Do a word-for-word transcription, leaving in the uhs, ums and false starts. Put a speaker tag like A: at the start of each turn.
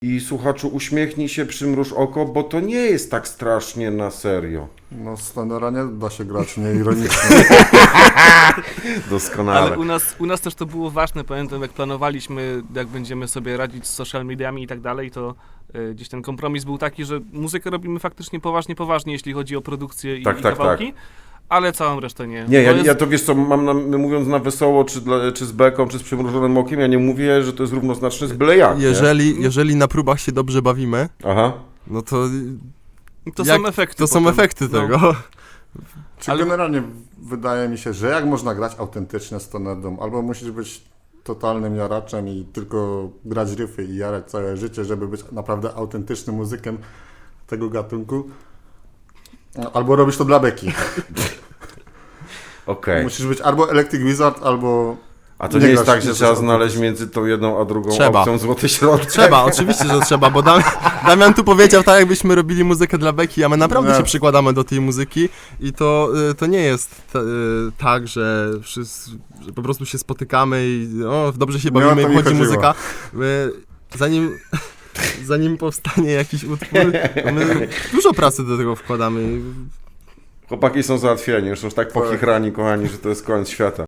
A: I słuchaczu, uśmiechnij się, przymruż oko, bo to nie jest tak strasznie na serio.
B: No z Stonera nie da się grać nieironicznie.
A: Doskonale.
C: Ale u nas, u nas też to było ważne, pamiętam jak planowaliśmy, jak będziemy sobie radzić z social mediami i tak dalej, to y, gdzieś ten kompromis był taki, że muzykę robimy faktycznie poważnie, poważnie, jeśli chodzi o produkcję i,
A: Tak,
C: i
A: tak,
C: kawałki, ale całą resztę nie.
A: Nie, ja,
C: To jest-
A: ja to wiesz co, mam na, mówiąc na wesoło, czy, dla, czy z beką, czy z przymrużonym okiem, ja nie mówię, że to jest równoznaczne z byle jak, nie?
D: Jeżeli, jeżeli na próbach się dobrze bawimy,
A: Aha.
D: no to,
C: To
D: jak-
C: są efekty.
D: to są
C: potem.
D: efekty
C: No.
D: tego.
B: Czy
C: Ale-
B: generalnie wydaje mi się, że jak można grać autentycznie Stoner Doom? Albo musisz być totalnym jaraczem i tylko grać riffy i jarać całe życie, żeby być naprawdę autentycznym muzykiem tego gatunku. Albo robisz to dla beki.
A: Okej.
B: Musisz być albo Electric Wizard, albo...
A: A to
B: nie
A: nie jest
B: grasz-
A: tak, że
B: nie
A: trzeba
B: grasz
A: znaleźć
B: autentycznie.
A: między tą jedną a drugą
D: Trzeba.
A: opcją złoty środek?
D: Trzeba, oczywiście, że trzeba, bo Dam, Damian tu powiedział tak, jakbyśmy robili muzykę dla beki, a my naprawdę
B: Nie.
D: się przykładamy do tej muzyki i to, y, to nie jest t, y, tak, że, wszyscy, że po prostu się spotykamy i o, dobrze się
B: Nie o
D: bawimy
B: to
D: i
B: mi
D: wchodzi
B: chodziło.
D: muzyka. My, zanim, zanim powstanie jakiś utwór, to my dużo pracy do tego wkładamy.
A: Chłopaki są załatwieni, już są tak pochichrani, kochani, że to jest koniec świata.